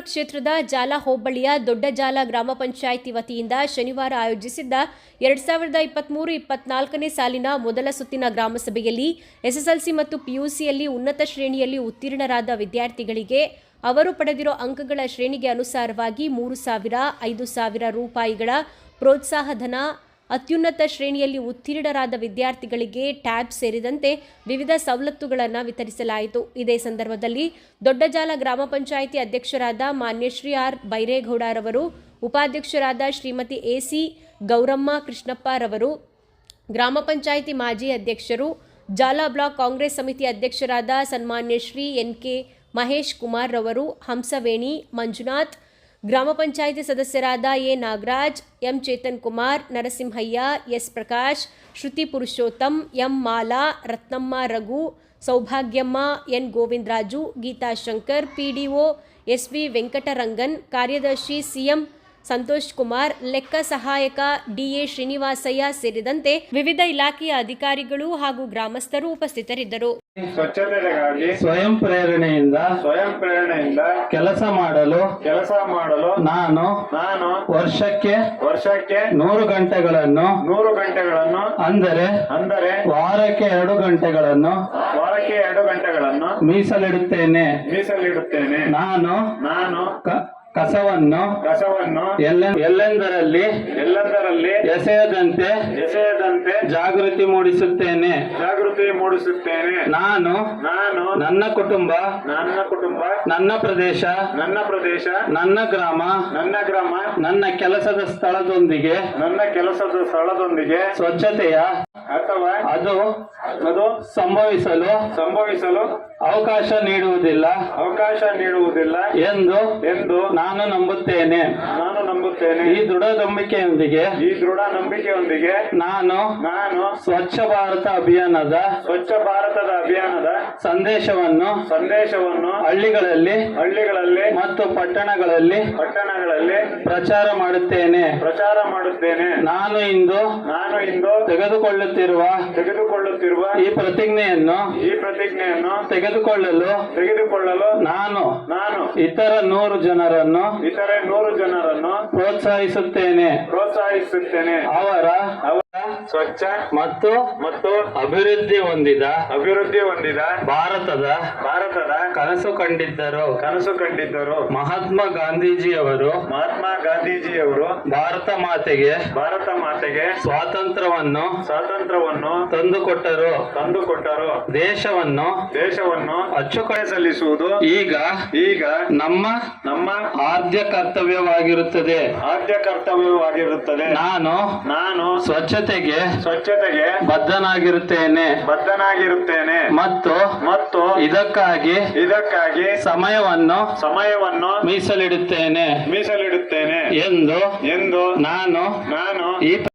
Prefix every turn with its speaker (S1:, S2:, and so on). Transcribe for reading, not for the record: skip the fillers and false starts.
S1: ಕ್ಷೇತ್ರದ ಜಾಲ ಹೋಬಳಿಯ ದೊಡ್ಡಜಾಲ ಗ್ರಾಮ ಪಂಚಾಯಿತಿ ವತಿಯಿಂದ ಶನಿವಾರ ಆಯೋಜಿಸಿದ್ದ 2023-24ನೇ ಸಾಲಿನ ಮೊದಲ ಸುತ್ತಿನ ಗ್ರಾಮಸಭೆಯಲ್ಲಿ ಎಸ್ಎಸ್ಎಲ್ಸಿ ಮತ್ತು ಪಿಯುಸಿಯಲ್ಲಿ ಉನ್ನತ ಶ್ರೇಣಿಯಲ್ಲಿ ಉತ್ತೀರ್ಣರಾದ ವಿದ್ಯಾರ್ಥಿಗಳಿಗೆ ಅವರು ಪಡೆದಿರೋ ಅಂಕಗಳ ಶ್ರೇಣಿಗೆ ಅನುಸಾರವಾಗಿ 3,000, 5,000 ರೂಪಾಯಿಗಳ ಪ್ರೋತ್ಸಾಹಧನ, ಅತ್ಯುನ್ನತ ಶ್ರೇಣಿಯಲ್ಲಿ ಉತ್ತೀರ್ಣರಾದ ವಿದ್ಯಾರ್ಥಿಗಳಿಗೆ ಟ್ಯಾಬ್ ಸೇರಿದಂತೆ ವಿವಿಧ ಸವಲತ್ತುಗಳನ್ನು ವಿತರಿಸಲಾಯಿತು. ಇದೇ ಸಂದರ್ಭದಲ್ಲಿ ದೊಡ್ಡಜಾಲ ಗ್ರಾಮ ಪಂಚಾಯಿತಿ ಅಧ್ಯಕ್ಷರಾದ ಮಾನ್ಯ ಶ್ರೀ ಆರ್ ಬೈರೇಗೌಡರವರು, ಉಪಾಧ್ಯಕ್ಷರಾದ ಶ್ರೀಮತಿ ಎಸಿ ಗೌರಮ್ಮ ಕೃಷ್ಣಪ್ಪರವರು, ಗ್ರಾಮ ಪಂಚಾಯಿತಿ ಮಾಜಿ ಅಧ್ಯಕ್ಷರು, ಜಾಲ ಬ್ಲಾಕ್ ಕಾಂಗ್ರೆಸ್ ಸಮಿತಿ ಅಧ್ಯಕ್ಷರಾದ ಸನ್ಮಾನ್ಯ ಶ್ರೀ ಎನ್.ಕೆ. ಮಹೇಶ್ ಕುಮಾರ್ ರವರು, ಹಂಸವೇಣಿ ಮಂಜುನಾಥ್, ಗ್ರಾಮ ಪಂಚಾಯಿತಿ ಸದಸ್ಯರಾದ A Nagaraj, M Chetan Kumar, Narasimhaiah, S Prakash, Shruti Purushottam, M Mala, Ratnamma Raghu, Saubhagyamma, N Govindaraju, Geetha Shankar, PDO S V. Venkatarangan, ಕಾರ್ಯದರ್ಶಿ ಸಿಎಂ ಸಂತೋಷ್ ಕುಮಾರ್, ಲೆಕ್ಕ ಸಹಾಯಕ ಡಿಎ ಶ್ರೀನಿವಾಸಯ್ಯ ಸೇರಿದಂತೆ ವಿವಿಧ ಇಲಾಖೆಯ ಅಧಿಕಾರಿಗಳು ಹಾಗೂ ಗ್ರಾಮಸ್ಥರು ಉಪಸ್ಥಿತರಿದ್ದರು.
S2: ಸ್ವಚ್ಛತೆಗಾಗಿ ಸ್ವಯಂ ಪ್ರೇರಣೆಯಿಂದ ಕೆಲಸ ಮಾಡಲು ನಾನು ವರ್ಷಕ್ಕೆ 100 ಗಂಟೆಗಳನ್ನು ಅಂದರೆ ವಾರಕ್ಕೆ 2 ಗಂಟೆಗಳನ್ನು ಮೀಸಲಿಡುತ್ತೇನೆ. ನಾನು ಕಸವನ್ನು ಎಲ್ಲೆಂದರಲ್ಲಿ ಎಸೆಯದಂತೆ ಜಾಗೃತಿ ಮೂಡಿಸುತ್ತೇನೆ. ನಾನು ನನ್ನ ಕುಟುಂಬ, ನನ್ನ ಪ್ರದೇಶ, ನನ್ನ ಗ್ರಾಮ, ನನ್ನ ಕೆಲಸದ ಸ್ಥಳದೊಂದಿಗೆ ಸ್ವಚ್ಛತೆಯ ಅದು ಸಂಭವಿಸಲು ಅವಕಾಶ ನೀಡುವುದಿಲ್ಲ ಎಂದು ನಾನು ನಂಬುತ್ತೇನೆ. ಈ ದೃಢ ನಂಬಿಕೆಯೊಂದಿಗೆ ನಾನು ಸ್ವಚ್ಛ ಭಾರತ ಅಭಿಯಾನದ ಸಂದೇಶವನ್ನು ಹಳ್ಳಿಗಳಲ್ಲಿ ಮತ್ತು ಪಟ್ಟಣಗಳಲ್ಲಿ ಪ್ರಚಾರ ಮಾಡುತ್ತೇನೆ. ನಾನು ಇಂದು ತೆಗೆದುಕೊಳ್ಳುತ್ತಿರುವ ಈ ಪ್ರತಿಜ್ಞೆಯನ್ನು ತೆಗೆದುಕೊಳ್ಳಲು ನಾನು ಇತರ 100 ಜನರನ್ನು ಪ್ರೋತ್ಸಾಹಿಸುತ್ತೇನೆ. ಅವರ ಸ್ವಚ್ಛ ಮತ್ತು ಅಭಿವೃದ್ಧಿ ಹೊಂದಿದ ಭಾರತದ ಕನಸು ಕಂಡಿದ್ದರು. ಮಹಾತ್ಮ ಗಾಂಧೀಜಿಯವರು ಭಾರತ ಮಾತೆಗೆ ಸ್ವಾತಂತ್ರ್ಯವನ್ನು ತಂದುಕೊಟ್ಟರು. ದೇಶವನ್ನು ಅಚ್ಚುಕಡೆ ಸಲ್ಲಿಸುವುದು ಈಗ ನಮ್ಮ ಆದ್ಯ ಕರ್ತವ್ಯವಾಗಿರುತ್ತದೆ. ನಾನು ಸ್ವಚ್ಛತೆಗೆ ಬದ್ಧನಾಗಿರುತ್ತೇನೆ ಮತ್ತು ಇದಕ್ಕಾಗಿ ಸಮಯವನ್ನು ಮೀಸಲಿಡುತ್ತೇನೆ ಎಂದು ನಾನು ಈ